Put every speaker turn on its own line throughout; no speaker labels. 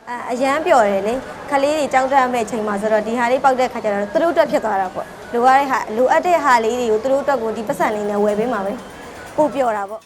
အရန်ပြော်တယ်လေခလေးတွေကြောက်တတ်မဲ့ချိန်မှာဆိုတော့ဒီဟာလေးပေါက်တဲ့ခါကျတော့သူတို့အတွက်ဖြစ်သွားတာပေါ့လိုအပ်တဲ့ဟာလေးတွေကိုသူတို့အတွက်ကိုဒီပတ်စံလေးနဲ့ဝယ်ပေးမှာပဲပို့ပြော်တာပေါ့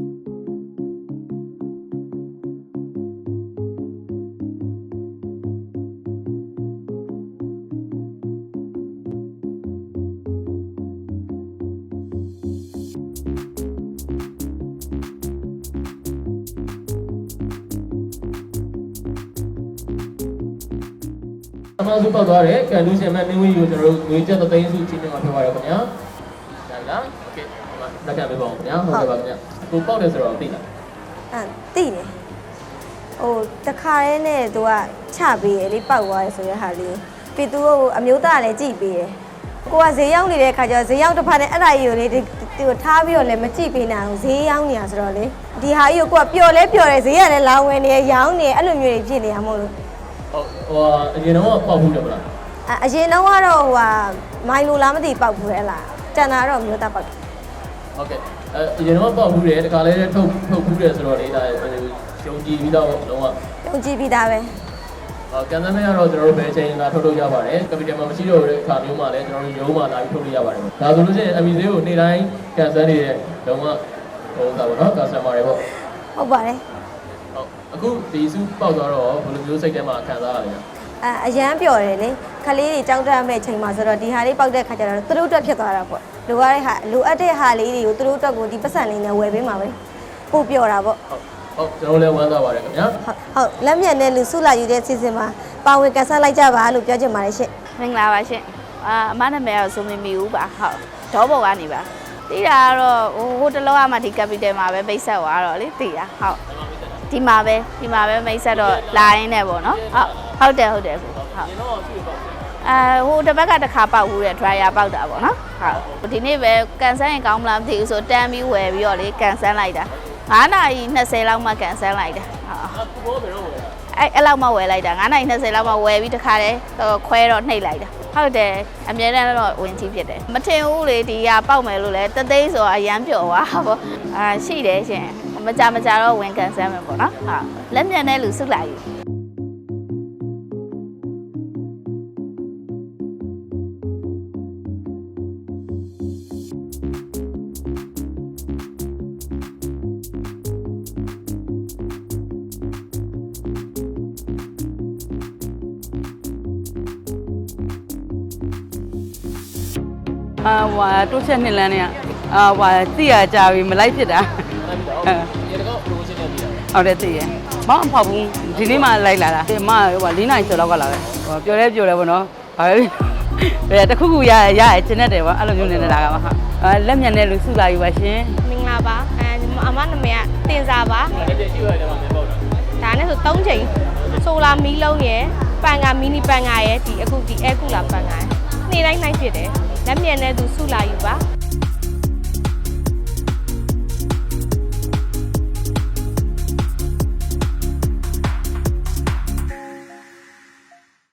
အမှန်စုပေါက်သွားတယ်ကန်လူရှင်မဲ့မင်းဝင်းကိုကျွန်တော်တို့ငွေကျပ်သိန်းစုချင်းချင်းမှာပြောပါရခင်ဗျာဒါလားโอเคလက်ခံပေးပါဦးခင်ဗျာဟုတ်ကဲ့ပါခင်ဗျာကိုပေါက်တယ်ဆိုတော့သိလား
သိတယ်ဟိုတခါတည်းနဲ့သူကချပေးရလေပေါက်သွားတယ်ဆိုတဲ့ဟာလေးပြီးသူ့အမျိုးသားလည်းကြည့်ပေးတယ်ကိုကဈေးရောက်နေတဲ့ခါကျတော့ဈေးရောက်တစ်ဖက်နဲ့အဲ့ဒါကြီးကိုလေသူထားပြီးတော့လည်းမကြည့်ပေးနိုင်အောင်ဈေးရောက်နေတာဆိုတော့လေဒီဟာကြီးကိုကပျော်လဲပျော်တယ်ဈေးကလည်းလောင်ဝင်နေရောင်းနေအဲ့လိုမျိုးတွေဖြစ်နေရမို့လို့
ဟိုအရင်တော့ပေါက်ဘူးတယ်မလား
အရင်တော့ကတော့မိုင်လိုလားမသိပေါက်ဘူးလေလားတန်တာတော့မျိုးသားပေါက်တယ်
ဟုတ်ကဲ့အရင်တော့ပေါက်ဘူးတယ်တခါလဲထုတ်ဘူးတယ်ဆိုတော့လေဒါရှုံကြည့်ပြီးတော့လုံးဝ
ရှုံကြည့်ပြီးသားပဲ
ကန်ဆယ်မဲ့ကတော့ကျွန်တော်တို့ဘယ်ချိန်လာထုတ်ရပါတယ်ကပီတယ်မှာမရှိတော့တဲ့အခါမျိုးမှာလည်းကျွန်တော်တို့ရုံးမှာလာပြီးထုတ်လို့ရပါတယ်ဒါဆိုလို့ရှိရင် MV ဈေးကိုနေ့တိုင်းကန်ဆယ်နေတဲ့လုံးဝဟိုတာပေါ့နော် customer တွေပေါ့
ဟုတ်ပါတယ်
အခုဒီစုပေါက်သွားတော့ဘယ်လိုမျိုးစိတ်ထဲမှာခံစားရလဲ
အရန်ပြော်တယ်လေခလေးတွေကြောက်တတ်မဲ့ချိန်မှာဆိုတော့ဒီဟာလေးပေါက်တဲ့ခါကျတော့သူတို့အတွက်ဖြစ်သွားတာပေါ့လိုအပ်တဲ့ဟာလေးတွေကိုသူတို့အတွက်ကိုဒီပတ်စံလေးနဲ့ဝယ်ပေးမှာပဲပို့ပြော်တာပေါ့
ဟုတ်ကျွန်တော်လည်းဝမ်းသာပါတယ်ခင်ဗျာ
ဟုတ်လက်မြတ်နဲ့လူစုလာယူတဲ့စီစဉ်မှာပါဝင်ကန်ဆယ်လိုက်ကြပါလို့ပြောချင်ပါတယ်ရှင့်
မင်္ဂလာပါရှင့်အမနာမည်ကတော့ဆိုမီမီဦးပါဟုတ်ဒေါဘော်ကနေပါသိတာကတော့ဟိုတလောကမှဒီ capital မှာပဲမိတ်ဆက်သွားတော့လေသိတာဟုတ်ဒီမှာပဲမိတ်ဆက်တော့လာရင်းနဲ့ပေါ့နော်ဟုတ်တယ်ဟုတ်ဟိုတစ်ဘက်ကတစ်ခါပေါက်ဘူးတဲ့ dryer ပေါက်တာပေါ့နော်ဟုတ်ဒီနေ့ပဲကန်ဆယ်ရင်ကောင်းမလားမသိဘူးဆိုတန်းပြီးဝယ်ပြီးတော့လေကန်ဆယ်လိုက်တာ9နာရီ20လောက်မှကန်ဆယ်လိုက်တာဟုတ်အဲ့လောက်မှဝယ်လိုက်တာ9နာရီ20လောက်မှဝယ်ပြီးတခါတည်းခွဲတော့နှိပ်လိုက်တာဟုတ်တယ်အမြဲတမ်းတော့ဝင်ကြီးဖြစ်တယ်မထင်ဘူးလေဒီကပေါက်မယ်လို့လဲတသိန်းဆိုအရန်ပျော်သွားပေါ့ရှိတယ်ရှင်မကြတော့ဝင်ကန်ဆယ်မယ်ပေါ့နော်ဟုတ်လက်မြန်တဲ့လူစုလိုက်ယူ
ဟွာတိုးချက်နှစ်လမ်းနဲ့ဟွာသိရကြပြီမလိုက်ဖြစ်တာ
ရေတကောက် promotion နဲ့ပြီးတာ
ဟုတ်တယ်သိရမောင်းအဖောက်ဘူးဒီနေ့မှလိုက်လာတာဒီမဟွာ4နိုင်ကျော်လောက်ကလာပဲဟိုပြောလဲပေါ့နော်ဘာပဲတခုခုရကျင်တဲ့တယ်ပေါ့အဲ့လိုမျိုးနေလာကပါဟာလက်မြန်တဲ့လူစုလာယူပါရှင်
မင်္ဂလာပါအမနာမည်ကတင်စာပါ
လက်ပြရှိရတယ်မှာမပေါက်တာ
ဒါနဲ့ဆို3ချိန်ဆိုလာမီးလုံးရယ်ပန်ကမီနီပန်ကရယ်ဒီအခုဒီအဲကူလာပန်ကရယ်နေ့တိုင်းနိုင်ဖြစ်တယ်လက်မြန်တဲ့သူစုလာယူပါ